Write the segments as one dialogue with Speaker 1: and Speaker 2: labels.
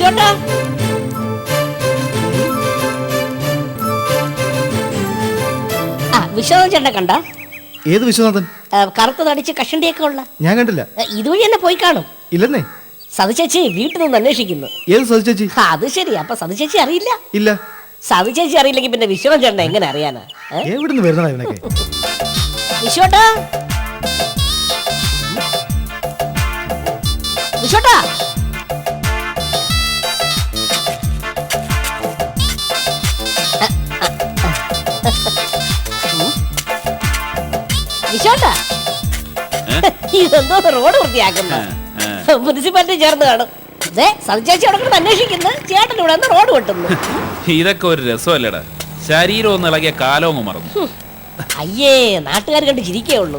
Speaker 1: വിശ്വട്ടാ വിശ്വനാഥൻ ചേട്ടനെ കണ്ട?
Speaker 2: ഏത് വിശ്വനാഥൻ?
Speaker 1: കറുത്ത് തടിച്ച് കഷണ്ടിയൊക്കെ ഉള്ള.
Speaker 2: ഞാൻ കണ്ടില്ല.
Speaker 1: ഇതുവഴി തന്നെ പോയി കാണും.
Speaker 2: ഇല്ലെന്നേ.
Speaker 1: സതിചേച്ചി വീട്ടിൽ നിന്ന് അന്വേഷിക്കുന്നു.
Speaker 2: ഏത് സതിചേച്ചി?
Speaker 1: അത് ശരി. അപ്പൊ സതിചേച്ചി അറിയില്ല?
Speaker 2: ഇല്ല.
Speaker 1: സതിചേച്ചി അറിയില്ലെങ്കിൽ പിന്നെ വിശ്വനാഥൻ ചേട്ടനെ എങ്ങനെ അറിയാനാ?
Speaker 2: എവിടുന്ന് വരുന്നതാ ഇവനൊക്കെ?
Speaker 1: വിശ്വട്ടാ വിശ്വട്ടാ വിശ്വട്ടാ ഇതെന്തോ റോഡ് വൃത്തിയാക്കുന്ന മുനിസിപ്പാലിറ്റി ചേർന്ന് കാണും. സതിചേച്ചി അവിടെ അന്വേഷിക്കുന്നു, ചേട്ടൻ ഇവിടെ നിന്ന് റോഡ് വെട്ടുന്നു.
Speaker 3: ഇതൊക്കെ ഒരു രസമല്ലേടാ. ശരീരം ഒന്ന് ഇളകിയ കാലവും മറന്നു.
Speaker 1: അയ്യേ, നാട്ടുകാർ കണ്ട് ചിരിക്കേ ഉള്ളൂ.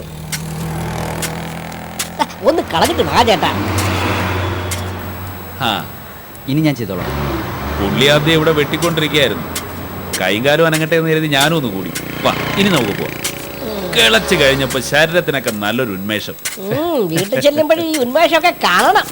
Speaker 1: ഒന്ന് കളഞ്ഞിട്ട് വാ ചേട്ടാ.
Speaker 4: ഇനി ഞാൻ ചെയ്തോളാം.
Speaker 3: പുള്ളി ആദ്യം ഇവിടെ വെട്ടിക്കൊണ്ടിരിക്കുകയായിരുന്നു. കൈകാലും അനങ്ങട്ടെ എന്ന് കരുതി ഞാനും ഒന്ന് കൂടി. വാ, ഇനി നമുക്ക് പോവാം. കിളച്ച് കഴിഞ്ഞപ്പോ ശരീരത്തിനൊക്കെ നല്ലൊരു ഉന്മേഷം.
Speaker 1: വീട്ടിൽ ചെല്ലുമ്പോഴും ഈ ഉന്മേഷമൊക്കെ കാണണം.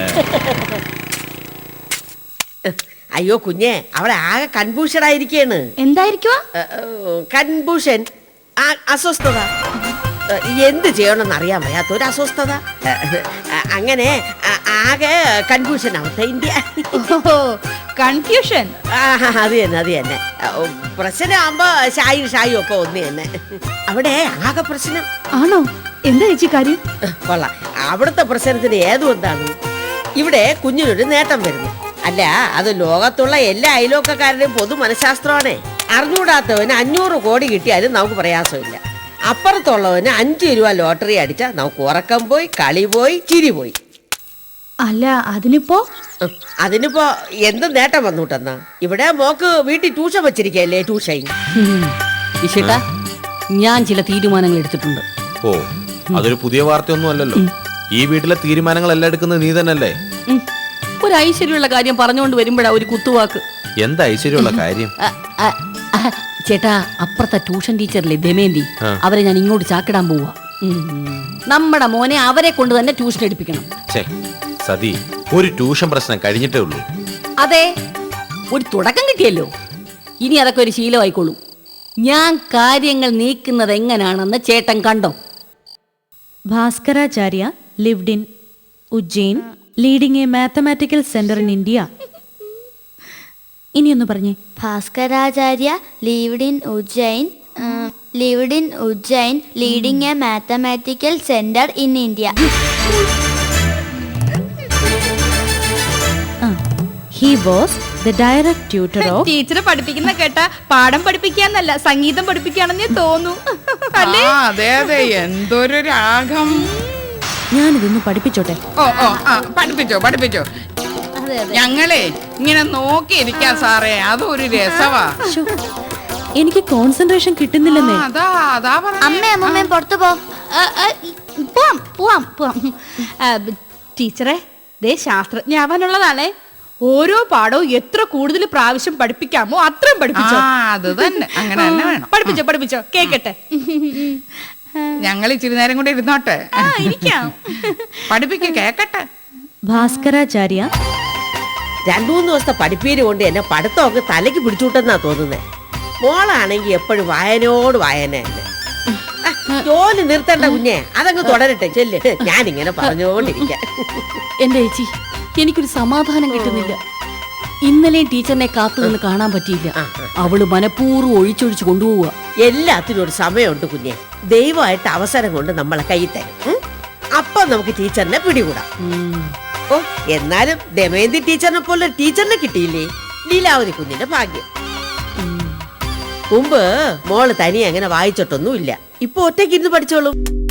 Speaker 5: അയ്യോ കുഞ്ഞെ, അവിടെ ആകെ കൺഫ്യൂഷൻ ആയിരിക്കാണ്.
Speaker 6: എന്തായിരിക്കുവാ?
Speaker 5: കൺഫ്യൂഷൻ, അസ്വസ്ഥത. എന്ത് ചെയ്യണമെന്ന് അറിയാൻ വയ്യാത്തൊരു അസ്വസ്ഥത. അങ്ങനെ ആകെ കൺഫ്യൂഷൻ ആവട്ടെ ഇന്ത്യ.
Speaker 6: കൺഫ്യൂഷൻ?
Speaker 5: അത് തന്നെ, അത് തന്നെ. പ്രശ്നമാകുമ്പോ ഷായും ഒക്കെ ഒന്ന് തന്നെ. അവിടെ ആകെ പ്രശ്നം
Speaker 6: ആണോ? എന്താ ചേച്ചി കാര്യം?
Speaker 5: കൊള്ളാം. അവിടുത്തെ പ്രശ്നത്തിന് ഏതും എന്താണ്, ഇവിടെ കുഞ്ഞിനൊരു നേട്ടം വരുന്നു. അല്ല, അത് ലോകത്തുള്ള എല്ലാ അയലോക്കക്കാരുടെയും പൊതു മനഃശാസ്ത്രമാണേ. അറിഞ്ഞൂടാത്തവന് 500 കോടി കിട്ടിയാലും നമുക്ക് പ്രയാസമില്ല. അപ്പുറത്തുള്ളവന് 5 രൂപ ലോട്ടറി അടിച്ചാൽ നമുക്ക് ഉറക്കം പോയി, കളി പോയി, ചിരി പോയി.
Speaker 6: അല്ല, അതിനിപ്പോ
Speaker 5: എന്ത് നേട്ടം വന്നുട്ടെന്നാ? ഇവിടെ മോക്ക് വീട്ടിൽ ട്യൂഷൻ വെച്ചിരിക്കല്ലേ, ട്യൂഷൻ.
Speaker 7: വിശേട്ടാ, ഞാൻ ചില തീരുമാനങ്ങൾ എടുത്തിട്ടുണ്ട്.
Speaker 8: ഓ, അതൊരു പുതിയ വാർത്തയൊന്നും അല്ലല്ലോ. ഈ വീട്ടിലെ തീരുമാനങ്ങളെല്ലാം എടുക്കുന്നത് നീ തന്നെയല്ലേ?
Speaker 7: ഒരു ഐശ്വര്യമുള്ള കാര്യം പറഞ്ഞുകൊണ്ട് വരുമ്പോഴാ ഒരു കുത്തുവാക്ക്.
Speaker 8: എന്താ ഐശ്വര്യമുള്ള കാര്യം?
Speaker 7: ചേട്ടാ, അപ്പുറത്തെ ട്യൂഷൻ ടീച്ചറിലെ ദമയന്തി, അവരെ ഞാൻ ഇങ്ങോട്ട് ചാക്കിടാൻ പോവാ. നമ്മുടെ മോനെ അവരെ കൊണ്ട് തന്നെ ട്യൂഷൻ എടുപ്പിക്കണം.
Speaker 8: സതി, ഒരു ട്യൂഷൻ പ്രശ്നം കഴിഞ്ഞിട്ടേ ഉള്ളൂ.
Speaker 7: അതെ, ഒരു തുടക്കം കിട്ടിയല്ലോ. ഇനി അതൊക്കെ ഒരു ശീലമായിക്കോളൂ. ഞാൻ കാര്യങ്ങൾ നീക്കുന്നത് എങ്ങനെയാണെന്ന് ചേട്ടൻ കണ്ടോ?
Speaker 6: ഭാസ്കരാചാര്യ lived in Ujjain, leading a mathematical center in India. ഇനിയൊന്ന് പറഞ്ഞേ.
Speaker 9: ഭാസ്കരാചാര്യ lived in Ujjain, leading a mathematical center in India.
Speaker 6: He was the direct tutor of.
Speaker 10: ടീച്ചറെ പഠിപ്പിക്കുന്ന കേട്ട പാഠം പഠിപ്പിക്കാന്നല്ല, സംഗീതം പഠിപ്പിക്കാണെന്നേ തോന്നു.
Speaker 11: അതെ അതെ, എന്തൊരു രാഗം.
Speaker 6: ഞാനിതൊന്ന് പഠിപ്പിച്ചോട്ടെ?
Speaker 11: പഠിപ്പിച്ചോ. ഞങ്ങളെ ഇങ്ങനെ നോക്കിയിരിക്കാം സാറേ, അതൊരു രസവാ.
Speaker 6: എനിക്ക് കോൺസെൻട്രേഷൻ കിട്ടുന്നില്ലെന്നേ.
Speaker 9: അമ്മയും പുറത്തു
Speaker 10: പോവാം. ടീച്ചറെ, ദേ ശാസ്ത്രജ്ഞാവാനുള്ളതാണേ. ഓരോ പാഠവും എത്ര കൂടുതൽ പ്രാവശ്യം പഠിപ്പിക്കാമോ അത്രയും പഠിപ്പിച്ചോ.
Speaker 11: അത് തന്നെ, അങ്ങനെ തന്നെ വേണം.
Speaker 10: പഠിപ്പിച്ചോ, കേക്കട്ടെ.
Speaker 11: ഞങ്ങൾ ഇച്ചിരി നേരം കൂടെ ഇരുന്നോട്ടെ.
Speaker 10: ഇരിക്കാം.
Speaker 11: കേക്കട്ടെ.
Speaker 6: ഭാസ്കരാചാര്യ
Speaker 5: 2-3 ദിവസത്തെ പഠിപ്പീര് കൊണ്ട് എന്നെ പഠിത്തമൊക്കെ തലയ്ക്ക് പിടിച്ചുവിട്ടെന്നാ തോന്നുന്നേ. മോളാണെങ്കി എപ്പോഴും വായനയോട് വായന തന്നെ. ജോലി നിർത്തണ്ട കുഞ്ഞെ, അതങ്ങ് തുടരട്ടെ. ചെല്ല്, ഞാനിങ്ങനെ പറഞ്ഞുകൊണ്ടിരിക്കാം.
Speaker 7: എന്റെ ചേച്ചി, എനിക്കൊരു സമാധാനം കിട്ടുന്നില്ല. ഇന്നലെയും ടീച്ചറിനെ കാത്തു നിന്ന് കാണാൻ പറ്റിയില്ല. അവള് മനഃപൂർവ്വം ഒഴിച്ചൊഴിച്ച് കൊണ്ടുപോവുക.
Speaker 5: എല്ലാത്തിനും ഒരു സമയമുണ്ട് കുഞ്ഞെ. ദൈവമായിട്ട് അവസരം കൊണ്ട് നമ്മളെ കൈ തരും. അപ്പൊ നമുക്ക് ടീച്ചറിനെ പിടികൂടാം. ഓ, എന്നാലും ദമയന്തി ടീച്ചറിനെ പോലെ ടീച്ചറിനെ കിട്ടിയില്ലേ? ലീലാവതി കുഞ്ഞിന്റെ ഭാഗ്യം. മുമ്പ് മോള് തനിയെ അങ്ങനെ വായിച്ചിട്ടൊന്നുമില്ല. ഇപ്പൊ ഒറ്റയ്ക്ക് ഇരുന്ന് പഠിച്ചോളും.